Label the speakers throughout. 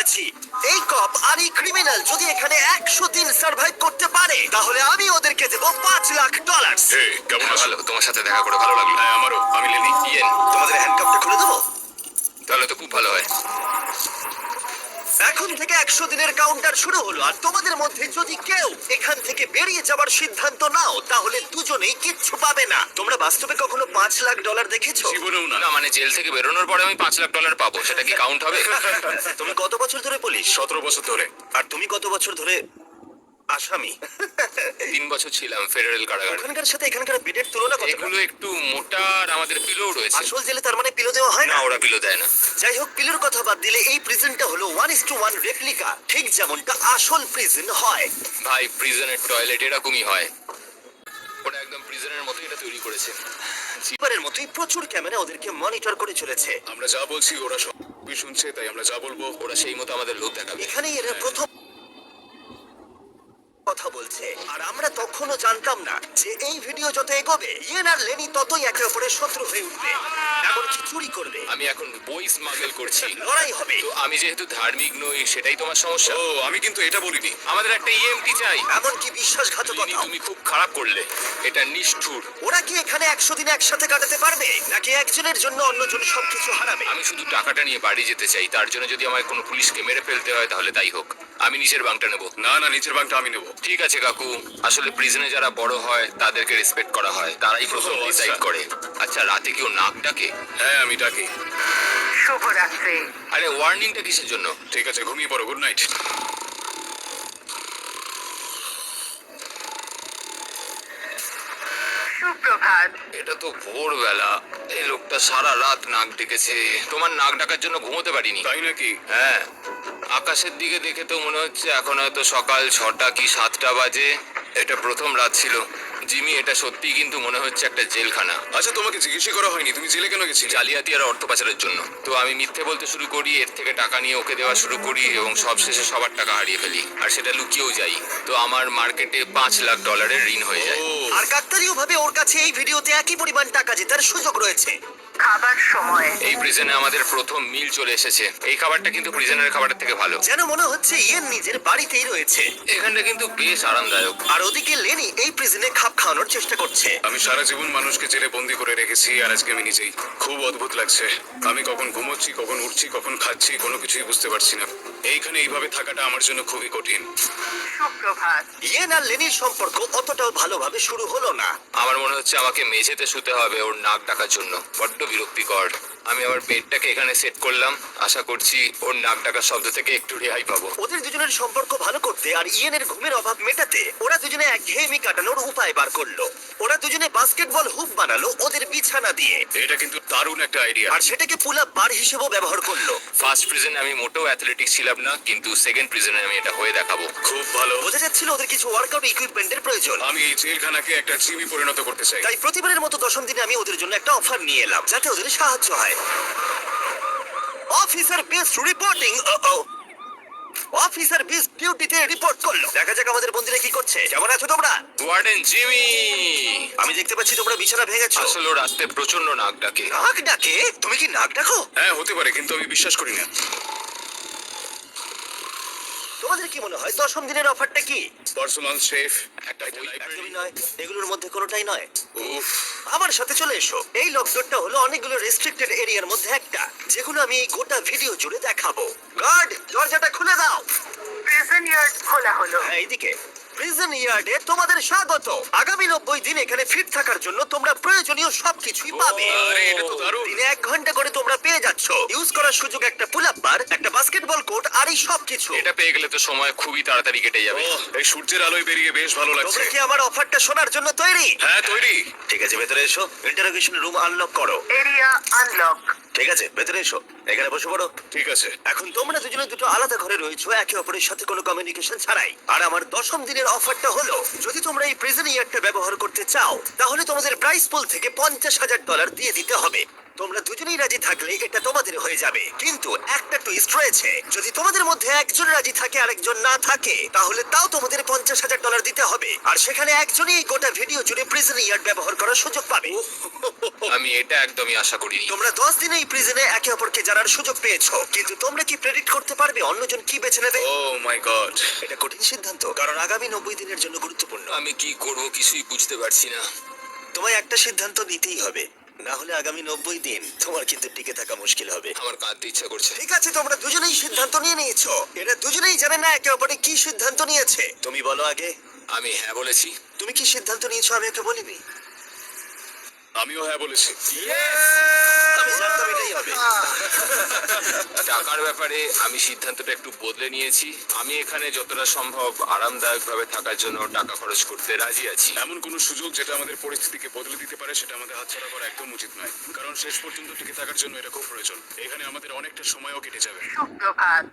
Speaker 1: করেছি। এই কপ আর এই ক্রিমিনাল যদি এখানে 100 দিন সার্ভাইভ করতে পারে তাহলে আমি ওদেরকে দেবো $5 লাখ।
Speaker 2: কেমন আছো?
Speaker 3: ভালো, তোমার সাথে দেখা করে ভালো লাগলো।
Speaker 2: হ্যাঁ আমারও। আমি লেনি।
Speaker 3: ইয়েন,
Speaker 1: তোমাদের হ্যান্ডকাপটা খুলে দেবো।
Speaker 3: তাহলে তো খুব ভালো হয়।
Speaker 1: এখন থেকে 100 দিনের কাউন্টার শুরু হলো, আর তোমাদের মধ্যে যদি কেউ এখান থেকে বেরিয়ে যাবার সিদ্ধান্ত নাও তাহলে দুজনেই কিচ্ছু পাবে না। তোমরা বাস্তবে কখনো $5 লাখ দেখেছো?
Speaker 2: জীবনেও না।
Speaker 3: না মানে জেল থেকে বেরোনোর পরে আমি $5 লাখ পাবো, সেটা কি কাউন্ট হবে?
Speaker 1: তুমি কত বছর ধরে পুলিশ?
Speaker 2: 17 বছর ধরে।
Speaker 1: আর তুমি কত বছর ধরে আসামি?
Speaker 3: 3 বছর ছিলাম ফেডারেল কারাগারে।
Speaker 1: ওখানকার সাথে এখানকার বেডের তুলনা কত?
Speaker 3: এগুলো একটু মোটা আর আমাদের পিলো রয়েছে।
Speaker 1: আসল জেলে তার মানে পিলো দেওয়া হয়
Speaker 3: না,
Speaker 1: না?
Speaker 3: ওরা পিলো দেয় না।
Speaker 1: যাই হোক, পিলোর কথা বাদ দিলে এই প্রিজনটা হলো 1:1 রেপ্লিকা, ঠিক যেমনটা আসল প্রিজন হয়।
Speaker 3: ভাই, প্রিজনের টয়লেট এরকমই হয়। ওরা একদম প্রিজনের মতো এটা তৈরি করেছে।
Speaker 1: এবারের মতোই প্রচুর ক্যামেরা ওদেরকে মনিটর করে চলেছে।
Speaker 2: আমরা যা বলছি ওরা সবই শুনছে, তাই আমরা যা বলবো
Speaker 3: ওরা সেই মতো আমাদের লোক দেখাবে।
Speaker 1: এখানেই এরা প্রথম কথা বলছে, আর আমরা তখনও জানতাম না যে এই ভিডিও যত এগোবে ইয়েন আর লেনি ততই একে অপরের শত্রু হয়ে উঠবে, এমনকি চুরি করবে,
Speaker 3: আমি এখন বই স্মাগল করছি।
Speaker 1: লড়াই হবে।
Speaker 3: তো আমি যেহেতু ধার্মিক নই, সেটাই তোমার সমস্যা।
Speaker 2: ও আমি কিন্তু এটা বলিনি।
Speaker 3: আমাদের একটা ইএমটি চাই।
Speaker 1: এমনকি
Speaker 3: লিনি,
Speaker 1: বিশ্বাসঘাতকতা।
Speaker 3: তুমি খুব খারাপ করলে। এটা নিষ্ঠুর।
Speaker 1: ওরা কি এখানে 100 দিন একসাথে কাটাতে পারবে, নাকি একজনের জন্য অন্যজন সবকিছু হারাবে?
Speaker 3: আমি শুধু টাকাটা নিয়ে বাড়ি যেতে চাই। তার জন্য যদি আমায় কোনো পুলিশকে মেরে ফেলতে হয় তাহলে তাই হোক। আমি নিচের বাংটা নেব।
Speaker 2: না না, নিচের বাংটা আমি নেবো।
Speaker 3: ঠিক আছে কাকু। আসলে প্রিজনে যারা বড় হয় তাদেরকে রেসপেক্ট করা হয়, তারাই প্রথম
Speaker 2: ও, আচ্ছা।
Speaker 3: ডিসাইড করে। আচ্ছা, রাতে কেউ নাক ডাকে?
Speaker 2: হ্যাঁ আমি ডাকি।
Speaker 4: শুভরাত্রি।
Speaker 3: আরে ওয়ার্নিংটা কিসের জন্য?
Speaker 2: ঠিক আছে, ঘুমিয়ে পড়ো। Good night.
Speaker 4: সুপ্রভাত।
Speaker 3: এটা তো ভোরবেলা। এই লোকটা সারা রাত নাক ডেকেছে। তোমার নাক ডাকার জন্য ঘুমোতে পারিনি।
Speaker 2: তাই নাকি?
Speaker 3: হ্যাঁ, আকাশের দিকে দেখে তো মনে হচ্ছে এখন হয়তো সকাল 6টা কি 7টা বাজে। এটা প্রথম রাত ছিল। জিমি, এটা সত্যি কিন্তু মনে হচ্ছে একটা জেলখানা।
Speaker 2: আচ্ছা তোমাকে জিজ্ঞেসই করা হয়নি তুমি জেলে কেন গেছিলে?
Speaker 3: জালিয়াতি আর অর্থ পাচারের জন্য। তো আমি মিথ্যে বলতে শুরু করি, এর থেকে টাকা নিয়ে ওকে দেওয়া শুরু করি এবং সবশেষে সবার টাকা হারিয়ে ফেলি, আর সেটা লুকিয়েও যাই। তো আমার মার্কেটে $5 লাখ ঋণ হয়ে যায়।
Speaker 2: ও
Speaker 1: আর কাকতালীয় ভাবে ওর কাছে এই ভিডিওতে একই পরিমাণ টাকা জেতার সুযোগ রয়েছে।
Speaker 4: খাবার সময়।
Speaker 3: এই প্রিজনে আমাদের প্রথম মিল চলে এসেছে। এই খাবারটা কিন্তু প্রিজনের খাবারের থেকে ভালো।
Speaker 1: যেন মনে হচ্ছে ইয়েন নিজের বাড়িতেই রয়েছে।
Speaker 3: এখানটা কিন্তু বেশ আরামদায়ক।
Speaker 1: আর ওদিকে লেনি এই প্রিজনে খাপ খাওয়ানোর চেষ্টা করছে।
Speaker 2: আমি সারা জীবন মানুষকে জেলে বন্দি করে রেখেছি, আর আজকে আমি নিজেই। খুব অদ্ভুত লাগছে। আমি কখন ঘুমোচ্ছি, কখন উঠছি, কখন খাচ্ছি, কোনো কিছুই বুঝতে পারছি না। এইখানে এইভাবে থাকাটা আমার জন্য খুবই কঠিন।
Speaker 4: সুপ্রভাত।
Speaker 1: ইয়েন আর লেনির সম্পর্ক অতটাও ভালোভাবে শুরু হলো না।
Speaker 3: আমার মনে হচ্ছে আমাকে মেঝেতে শুতে হবে ওর নাক ডাকার জন্য। বড্ড বিরক্তিকর। আমি আবার বেডটাকে এখানে সেট করলাম। আশা করছি ওর নাক ডাকার শব্দ থেকে একটু রেহাই পাবো।
Speaker 1: ওদের দুজনের সম্পর্ক ভালো করতে আর ইয়েনের ঘুমের অভাব মেটাতে ওরা দুজনে একঘেয়েমি কাটানোর উপায় বার করলো। ওরা দুজনে বাস্কেটবল হুপ বানালো ওদের বিছানা দিয়ে,
Speaker 2: এটা কিন্তু দারুণ একটা আইডিয়া।
Speaker 1: আর সেটাকে পুল আপ বার হিসেবেও ব্যবহার করলো।
Speaker 3: ফার্স্ট প্রিজনে আমি মোটেও অ্যাথলেটিক ছিলাম না, কিন্তু সেকেন্ড প্রিজনে আমি এটা হয়ে দেখাবো।
Speaker 2: খুব ভালো।
Speaker 1: বোঝা যাচ্ছিল ওদের কিছু ওয়ার্কআউট ইকুইপমেন্টের প্রয়োজন।
Speaker 2: আমি এই জেলখানাকে একটা জিমে পরিণত করতে চাই।
Speaker 1: তাই প্রতিবারের মতো 10ম দিনে আমি ওদের জন্য একটা অফার নিয়ে এলাম যাতে ওদের সাহায্য হয়। Officer best reporting. Officer best ডিউটিতে রিপোর্ট করলো। দেখা যাক আমাদের বন্ধুরা কি করছে। কেমন আছো তোমরা?
Speaker 3: ওয়ার্ডেন জিমি,
Speaker 1: আমি দেখতে পাচ্ছি তোমরা বিছানা ভেঙেছো।
Speaker 3: আসলে ও রাতে প্রচন্ড নাক ডাকে।
Speaker 1: নাক ডাকে? তুমি কি নাক ডাকো?
Speaker 2: হ্যাঁ হতে পারে, কিন্তু আমি বিশ্বাস করি না।
Speaker 1: তোমাদের কি মনে হয় 10ম দিনের অফারটা কি?
Speaker 2: পার্সোনাল শেফ, একটা
Speaker 1: একদমই
Speaker 2: লাইব্রেরি।
Speaker 1: নয়, এগুলোর মধ্যে কোনোটাই নয়।
Speaker 2: উফ,
Speaker 1: আমার সাথে চলে এসো। এই লকডাউনটা হলো অনেকগুলো রেস্ট্রিক্টেড এরিয়ার মধ্যে একটা, যেগুলো আমি এই গোটা ভিডিও জুড়ে দেখাবো। গার্ড, দরজাটা খুলে দাও।
Speaker 4: প্রিজন ইয়ার্ড খোলা হলো।
Speaker 1: হ্যাঁ, এইদিকে। প্রিজন ইয়ার্ডে তোমাদের স্বাগত। আগামী 90 দিন এখানে ফিট থাকার জন্য তোমরা প্রয়োজনীয় সবকিছুই পাবে।
Speaker 2: আরে এটা তো দারুণ।
Speaker 1: দিনে 1 ঘন্টা করে তোমরা পেয়ে যাচ্ছ। ইউজ করার সুযোগ একটা পুল আপ বার, একটা বাস্কেটবল কোর্ট, আর এই সবকিছু।
Speaker 3: এটা পেয়ে গেলে তো সময় খুবই তাড়াতাড়ি কেটে যাবে।
Speaker 2: ওহ, এই সূর্যের আলোয় বেরিয়ে বেশ ভালো লাগছে।
Speaker 1: তোমরা কি আমার অফারটা শোনার জন্য তৈরি?
Speaker 2: হ্যাঁ তৈরি।
Speaker 1: ঠিক আছে, ভেতরে এসো। ইন্টারোগেশন রুম আনলক করো।
Speaker 4: Area unlock.
Speaker 1: ঠিক আছে, ভেতরে এসো। এখানে বসে পড়ো।
Speaker 2: ঠিক আছে।
Speaker 1: এখন তোমরা দুজনে দুটো আলাদা ঘরে রয়েছো, একে অপরের সাথে কোনো কমিউনিকেশন ছাড়াই। আর আমার 10ম দিনের অফারটা হলো, যদি তোমরা এই প্রিজন ইয়ারটা ব্যবহার করতে চাও তাহলে তোমাদের প্রাইস পুল থেকে $50,000 দিয়ে দিতে হবে। তোমরা দুজনেই রাজি থাকলে এটা তোমাদের হয়ে যাবে, কিন্তু একটা টুইস্ট রয়েছে। যদি তোমাদের মধ্যে একজন রাজি থাকে আর একজন না থাকে, তাহলে তাও তোমাদের $50,000 দিতে হবে, আর সেখানে একজনই এই গোটা ভিডিও জুড়ে প্রিজন ইয়ার্ড ব্যবহার করার সুযোগ পাবে।
Speaker 3: আমি এটা একদমই আশা করিনি।
Speaker 1: তোমরা 10 দিনে এই প্রিজনে একে অপরকে জানার সুযোগ পেয়েছো, কিন্তু তোমরা কি প্রেডিক্ট করতে পারবে অন্যজন কি বেছে নেবে?
Speaker 2: Oh my god.
Speaker 1: এটা কঠিন সিদ্ধান্ত, কারণ আগামী 90 দিনের জন্য গুরুত্বপূর্ণ।
Speaker 3: আমি কি করব কিছুই বুঝতে পারছি না।
Speaker 1: তোমায় একটা সিদ্ধান্ত নিতেই হবে, না হলে আগামী 90 দিন তোমার কিন্তু টিকে থাকা মুশকিল হবে।
Speaker 3: আমার কাঁদতে ইচ্ছা করছে।
Speaker 1: ঠিক আছে, তোমরা দুজনেই সিদ্ধান্ত নিয়ে নিয়েছো। এরা দুজনেই জানে না একে অপরে কি সিদ্ধান্ত নিয়েছে। তুমি বলো আগে,
Speaker 3: আমি হ্যাঁ বলেছি।
Speaker 1: তুমি কি সিদ্ধান্ত নিয়েছো? আমি ওকে বলিনি।
Speaker 2: আমিও হ্যাঁ বলেছি।
Speaker 1: আমি জানতাম এটাই হবে।
Speaker 3: টাকার ব্যাপারে আমি সিদ্ধান্তটা একটু বদলে নিয়েছি। আমি এখানে যতটা সম্ভব আরামদায়কভাবে থাকার জন্য টাকা খরচ করতে রাজি আছি।
Speaker 2: এমন কোনো সুযোগ যেটা আমাদের পরিস্থিতিকে বদলে দিতে পারে সেটা আমাদের হাতছাড়া করা একদম উচিত নয়, কারণ শেষ পর্যন্ত টিকে থাকার জন্য এটা খুব প্রয়োজন। এখানে আমাদের অনেকটা সময়ও কেটে যাবে।
Speaker 4: সুপ্রভাত।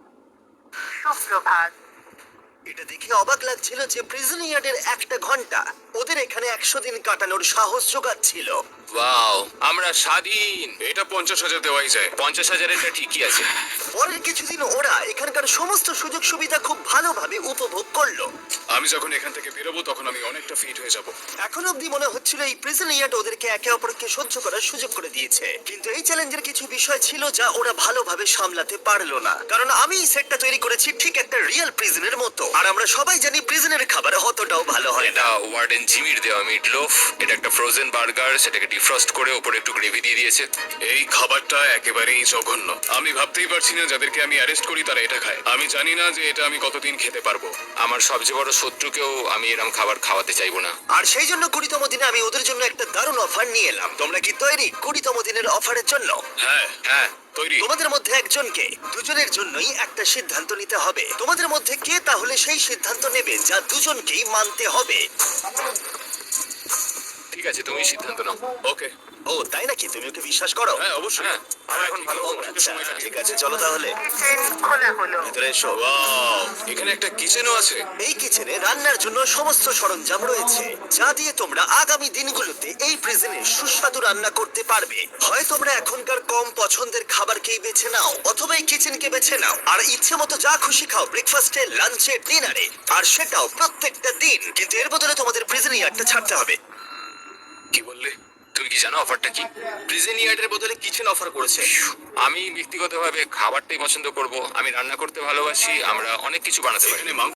Speaker 4: সুপ্রভাত।
Speaker 1: এটা দেখে অবাক লাগছিল যে প্রিজন ইয়ার্ডের একটা ঘন্টা ওদের এখানে 100 দিন কাটানোর সাহস জোগাচ্ছিল।
Speaker 3: ওয়াও, আমরা স্বাধীন।
Speaker 2: এটা 50,000 দেওয়াই যায়।
Speaker 3: 50,000 এটা ঠিকই আছে।
Speaker 1: পরের কিছুদিন ওরা এখানকার সমস্ত সুযোগ সুবিধা খুব ভালোভাবে উপভোগ করলো।
Speaker 2: আমি যখন এখান থেকে বেরোবো তখন আমি অনেকটা ফিট হয়ে যাব।
Speaker 1: এখন অব্দি মনে হচ্ছিল এই প্রিজন ইয়ার্ড ওদেরকে একে অপরকে সহ্য করার সুযোগ করে দিয়েছে, কিন্তু এই চ্যালেঞ্জের কিছু বিষয় ছিল যা ওরা ভালোভাবে সামলাতে পারলো না। কারণ আমি এই সেটটা তৈরি করেছি ঠিক একটা রিয়েল প্রিজনের মতো, আর আমরা সবাই জানি প্রিজনের খাবার অতটাও ভালো হয় না।
Speaker 3: এটা ওয়ার্ডেন জিমির দেওয়া মিট লোফ। এটা একটা ফ্রোজেন বার্গার, সেটাকে ডিফ্রস্ট করে ওপরে একটু গ্রেভি দিয়ে দিয়েছে।
Speaker 2: এই খাবারটা একেবারেই জঘন্য। আমি ভাবতেই পারছি না যাদেরকে আমি অ্যারেস্ট করি তারা এটা খায়। আমি জানি না যে এটা আমি কতদিন খেতে পারবো।
Speaker 3: আমার সবচেয়ে বড় শত্রুকেও আমি এরকম খাবার খাওয়াতে চাইবো না।
Speaker 1: আর সেই জন্য 20তম দিনে আমি ওদের জন্য একটা দারুণ অফার নিয়ে এলাম। তোমরা কি তৈরি 20তম দিনের অফারের জন্য?
Speaker 2: হ্যাঁ
Speaker 3: হ্যাঁ,
Speaker 2: তৈরি।
Speaker 1: তোমাদের মধ্যে একজনকে দুজনের জন্যই একটা সিদ্ধান্ত নিতে হবে। তোমাদের মধ্যে কে তাহলে সেই সিদ্ধান্ত নেবে যা দুজনকেই মানতে হবে?
Speaker 3: ঠিক আছে, তুমি সিদ্ধান্ত নাও।
Speaker 2: ওকে।
Speaker 1: ও তাই নাকি? তুমি ওকে বিশ্বাস করো?
Speaker 2: হ্যাঁ অবশ্যই।
Speaker 3: হ্যাঁ, আমার এখন ভালো খবর।
Speaker 2: একটু সময় কাটিয়ে
Speaker 1: ঠিক আছে, চলো তাহলে
Speaker 4: কিচেন খোলা হলো।
Speaker 1: ভিতরে এসো।
Speaker 2: Wow, এখানে একটা কিচেনও আছে।
Speaker 1: এই কিচেনে রান্নার জন্য সমস্ত সরঞ্জাম রয়েছে, যা দিয়ে তোমরা আগামী দিনগুলোতে এই প্রিজনে সুস্বাদু রান্না করতে পারবে। হয় তোমরা এখনকার কম পছন্দের খাবারকেই বেছে নাও, অথবা এই কিচেনকে বেছে নাও আর ইচ্ছে মতো যা খুশি খাও ব্রেকফাস্টে, লাঞ্চে, ডিনারে, আর সেটাও প্রত্যেকটা দিন। কিন্তু এর বদলে তোমাদের প্রিজন ইয়ার্ডটা ছাড়তে হবে।
Speaker 2: কি বললে?
Speaker 3: তুমি কি জানো অফারটা কি?
Speaker 1: প্রিজন ইয়ার্ডের বদলে কিচেন অফার করেছে।
Speaker 3: আমি ব্যক্তিগতভাবে খাবারটাই পছন্দ করব। আমি রান্না করতে ভালোবাসি, আমরা অনেক কিছু বানাতে পারি।
Speaker 2: এখানে মাংস